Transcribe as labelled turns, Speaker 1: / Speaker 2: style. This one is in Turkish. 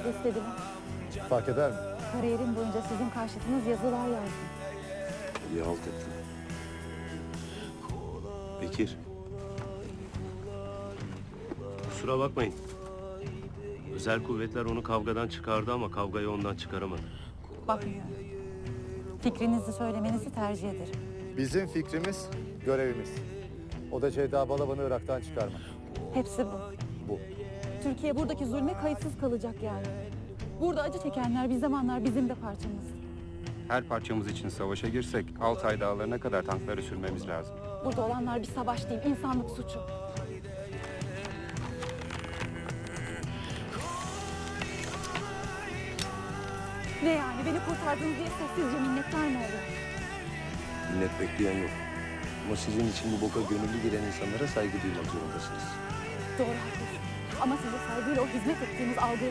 Speaker 1: size istediler.
Speaker 2: Fark eder mi?
Speaker 1: Kariyerim boyunca sizin karşıtınız yazılar yazdım.
Speaker 3: İyi halt ettin. Bekir. Kusura bakmayın. Özel kuvvetler onu kavgadan çıkardı ama kavgayı ondan çıkaramadı.
Speaker 1: Bakmıyorum. Fikrinizi söylemenizi tercih ederim.
Speaker 2: Bizim fikrimiz, görevimiz. O da Ceyda Balaban'ı Irak'tan çıkarmak.
Speaker 1: Hepsi bu.
Speaker 2: Bu.
Speaker 1: Türkiye buradaki zulme kayıtsız kalacak yani. Burada acı çekenler bir zamanlar bizim de parçamız.
Speaker 4: Her parçamız için savaşa girsek Altay dağlarına kadar tankları sürmemiz lazım.
Speaker 1: Burada olanlar bir savaş değil, insanlık suçu. Ne yani? Beni kurtardınız diye sessizce minnettar mı olur?
Speaker 3: Minnet bekleyen yok. Ama sizin için bu boka gönüllü giren insanlara saygı duymak zorundasınız.
Speaker 1: Doğru, haklısın. Ama size saygıyla o hizmet ettiğiniz algıyı